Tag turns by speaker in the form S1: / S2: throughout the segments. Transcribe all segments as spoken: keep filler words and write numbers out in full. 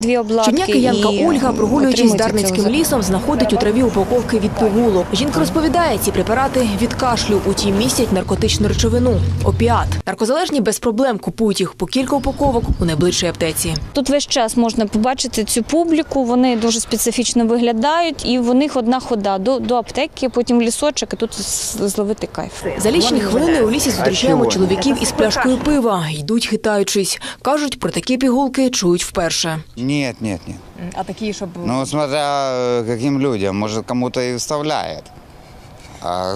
S1: Дві обладки.
S2: Щодня киянка Ольга, прогулюючись Дарницьким лісом, знаходить у траві упаковки від пігулок. Жінка розповідає, ці препарати від кашлю, утім містять наркотичну речовину – опіат. Наркозалежні без проблем купують їх по кілька упаковок у найближчій аптеці.
S1: Тут весь час можна побачити цю публіку, вони дуже специфічно виглядають і в них одна хода до, до аптеки, потім лісочок і тут зловити кайф.
S2: За лічені хвилини у лісі зустрічаємо чоловіків із пляшкою пива. Йдуть хитаючись. Кажуть, про такі пігулки чують вперше.
S3: Нет, нет, нет.
S2: А такі, щоб...
S3: Ну, смотря каким людям, может, кому-то и вставляет. А...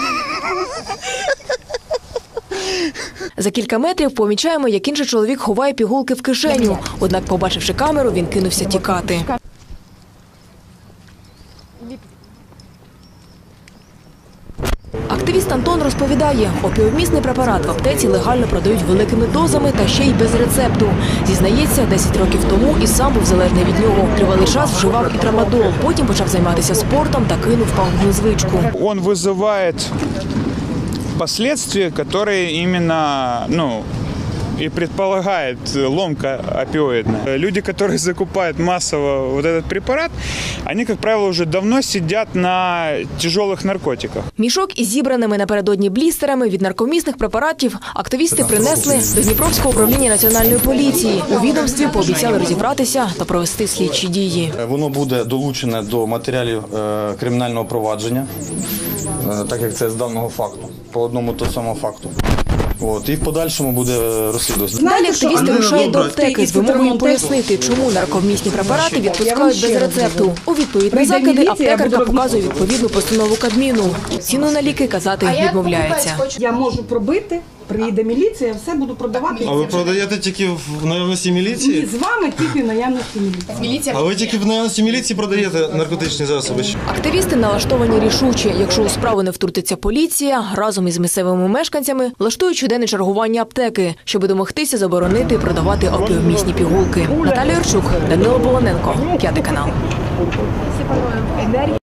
S2: За кілька метрів помічаємо, як інший чоловік ховає пігулки в кишеню. Однак, побачивши камеру, він кинувся тікати. Активіст Антон розповідає, опіомісний препарат в аптеці легально продають великими дозами та ще й без рецепту. Зізнається, десять років тому і сам був залежний від нього. Тривалий час вживав і трамадол, потім почав займатися спортом та кинув пагубну звичку.
S4: Он вызывает последствия, которые именно, ну, и предполагает ломка опиоидная. Люди, которые закупают массово вот этот препарат, они, как правило, уже давно сидят на тяжелых наркотиках.
S2: Мішок із зібраними напередодні блістерами від наркомісних препаратів активісти принесли до Дніпровського управління Національної поліції. У відомстві пообіцяли розібратися та провести слідчі дії.
S5: Воно буде долучене до матеріалів е, кримінального провадження, е, так як це з даного факту, по одному того самого факту. От, і в подальшому буде розслідувати.
S2: Далі активісти рушають до аптеки з вимогою пояснити, чому наркомісні препарати відпускають без рецепту. У відповідь на закиди аптекарка показує відповідну постанову Кабміну. Ціну на ліки казати відмовляється.
S6: Я можу пробити, приїде міліція, все буду продавати.
S7: А ви продаєте тільки в наявності міліції?
S6: Ні, з вами тільки в наявності міліції.
S7: А ви тільки в наявності міліції продаєте наркотичні засоби?
S2: Активісти налаштовані рішуче. Якщо у справу не втрутиться поліція, разом із місцевими мешканцями влаштують щоденне чергування аптеки, щоб домогтися заборонити і продавати опіомісні пігулки. Наталія Юрчук, Данило Полоненко, П'ятий канал.